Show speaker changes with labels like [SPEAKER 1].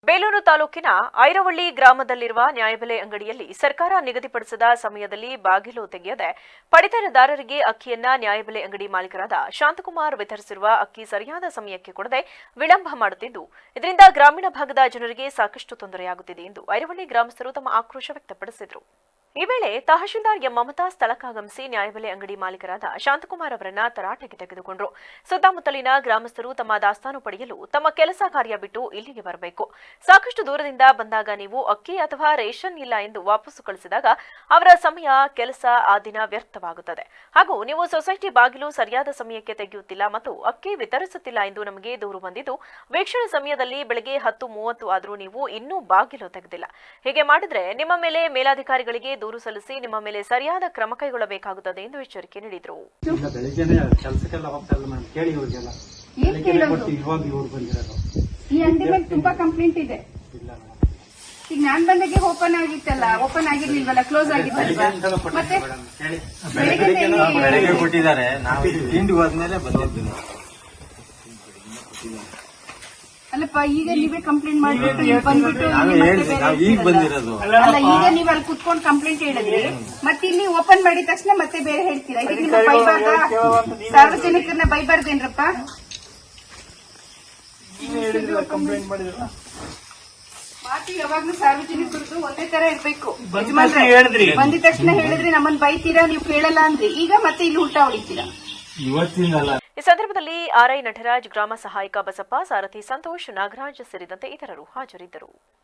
[SPEAKER 1] ಬೇಲೂರು ತಾಲೂಕಿನ ಐರವಳ್ಳಿ ಗ್ರಾಮದಲ್ಲಿರುವ ನ್ಯಾಯಬೆಲೆ ಅಂಗಡಿಯಲ್ಲಿ ಸರ್ಕಾರ ನಿಗದಿಪಡಿಸಿದ ಸಮಯದಲ್ಲಿ ಬಾಗಿಲು ತೆಗೆಯದೆ ಪಡಿತರದಾರರಿಗೆ ಅಕ್ಕಿಯನ್ನ ನ್ಯಾಯಬೆಲೆ ಅಂಗಡಿ ಮಾಲೀಕರಾದ ಶಾಂತಕುಮಾರ್ ವಿತರಿಸಿರುವ ಅಕ್ಕಿ ಸರಿಯಾದ ಸಮಯಕ್ಕೆ ಕೊಡದೆ ವಿಳಂಬ ಮಾಡುತ್ತಿದ್ದು ಇದರಿಂದ ಗ್ರಾಮೀಣ ಭಾಗದ ಜನರಿಗೆ ಸಾಕಷ್ಟು ತೊಂದರೆಯಾಗುತ್ತಿದೆ ಎಂದು ಐರವಳ್ಳಿ ಗ್ರಾಮಸ್ಥರು ತಮ್ಮ ಆಕ್ರೋಶ ವ್ಯಕ್ತಪಡಿಸಿದರು. ಈ ವೇಳೆ ತಹಶೀಲ್ದಾರ್ ಎಂ ಮಮತಾ ಸ್ಥಳಕ್ಕಾಗಮಿಸಿ ನ್ಯಾಯಬೆಲೆ ಅಂಗಡಿ ಮಾಲೀಕರಾದ ಶಾಂತಕುಮಾರ್ ಅವರನ್ನ ತರಾಟೆಗೆ ತೆಗೆದುಕೊಂಡರು. ಸುತ್ತಮುತ್ತಲಿನ ಗ್ರಾಮಸ್ಥರು ತಮ್ಮ ದಾಸ್ತಾನು ಪಡೆಯಲು ತಮ್ಮ ಕೆಲಸ ಕಾರ್ಯ ಬಿಟ್ಟು ಇಲ್ಲಿಗೆ ಬರಬೇಕು. ಸಾಕಷ್ಟು ದೂರದಿಂದ ಬಂದಾಗ ನೀವು ಅಕ್ಕಿ ಅಥವಾ ರೇಷನ್ ಇಲ್ಲ ಎಂದು ವಾಪಸ್ಸು ಕಳಿಸಿದಾಗ ಅವರ ಸಮಯ, ಕೆಲಸ ಆ ದಿನ ವ್ಯರ್ಥವಾಗುತ್ತದೆ. ಹಾಗೂ ನೀವು ಸೊಸೈಟಿ ಬಾಗಿಲು ಸರಿಯಾದ ಸಮಯಕ್ಕೆ ತೆಗೆಯುತ್ತಿಲ್ಲ ಮತ್ತು ಅಕ್ಕಿ ವಿತರಿಸುತ್ತಿಲ್ಲ ಎಂದು ನಮಗೆ ದೂರು ಬಂದಿದ್ದು, ವೀಕ್ಷಣೆ ಸಮಯದಲ್ಲಿ ಬೆಳಗ್ಗೆ 10:30 ಆದರೂ ನೀವು ಇನ್ನೂ ಬಾಗಿಲು ತೆಗೆದಿಲ್ಲ. ಹೀಗೆ ಮಾಡಿದ್ರೆ ನಿಮ್ಮ ಮೇಲೆ ಮೇಲಾಧಿಕಾರಿಗಳಿಗೆ ದೂರು ಸಲ್ಲಿಸಿ ನಿಮ್ಮ ಮೇಲೆ ಸರಿಯಾದ ಕ್ರಮ ಕೈಗೊಳ್ಳಬೇಕಾಗುತ್ತದೆ ಎಂದು ಎಚ್ಚರಿಕೆ ನೀಡಿದರು.
[SPEAKER 2] ಈ ಅಂಗಡಿ ಮೇಲೆ ತುಂಬಾ ಕಂಪ್ಲೇಂಟ್ ಇದೆ. ಈಗ ನಾನ್ ಬಂದಾಗೆ ಓಪನ್ ಆಗಿತ್ತಲ್ಲ, ಓಪನ್ ಆಗಿರ್ಲಿಲ್ವಲ್ಲ, ಕ್ಲೋಸ್ ಆಗಿತ್ತಲ್ವಾ? ಮತ್ತೆ
[SPEAKER 3] ಬೆಳಗ್ಗೆ ಕೊಟ್ಟಿದ್ದಾರೆ, ನಾವು ತಿಂಡಿ ಹೋದ್ಮೇಲೆ ಬಂದಿದ್ದೀನಿ.
[SPEAKER 2] ಅಲ್ಲಪ್ಪ, ಈಗ ನೀವೇ ಕಂಪ್ಲೇಂಟ್ ಮಾಡ್ಬಿಟ್ಟು ಬಂದ್ಬಿಟ್ಟು
[SPEAKER 3] ಈಗ ಬಂದಿರೋದು
[SPEAKER 2] ಅಲ್ಲ, ಈಗ ನೀವ್ ಅಲ್ಲಿ ಕುತ್ಕೊಂಡು ಕಂಪ್ಲೇಂಟ್ ಹೇಳಿದ್ರಿ, ಮತ್ತೆ ಇಲ್ಲಿ ಓಪನ್ ಮಾಡಿದ ತಕ್ಷಣ ಮತ್ತೆ ಬೇರೆ ಹೇಳ್ತೀರಾ. ಇದಕ್ಕೆ ನಿಮ್ಮ ಬೈಬಾರ್ದ? ಸಾರ್ವಜನಿಕರನ್ನ ಬೈಬಾರ್ದೇನ್ರಪ್ಪ? ಮಾತು ಯಾವಾಗ್ಲೂ ಸಾರ್ವಜನಿಕರದ್ದು ಒಂದೇ ತರ ಇರ್ಬೇಕು. ಬಂದಿದ ತಕ್ಷಣ ಹೇಳಿದ್ರೆ ನಮ್ಮನ್ನ ಬೈತೀರಾ, ನೀವು ಕೇಳಲ್ಲ ಅಂದ್ರಿ, ಈಗ ಮತ್ತೆ ಇಲ್ಲಿ ಉಲ್ಟಾ ಹೊಡಿತೀರಾ.
[SPEAKER 1] ಈ ಸಂದರ್ಭದಲ್ಲಿ ಆರ್ಐ ನಟರಾಜ್, ಗ್ರಾಮ ಸಹಾಯಕ ಬಸಪ್ಪ, ಸಾರಥಿ ಸಂತೋಷ್, ನಾಗರಾಜ್ ಸೇರಿದಂತೆ ಇತರರು ಹಾಜರಿದ್ದರು.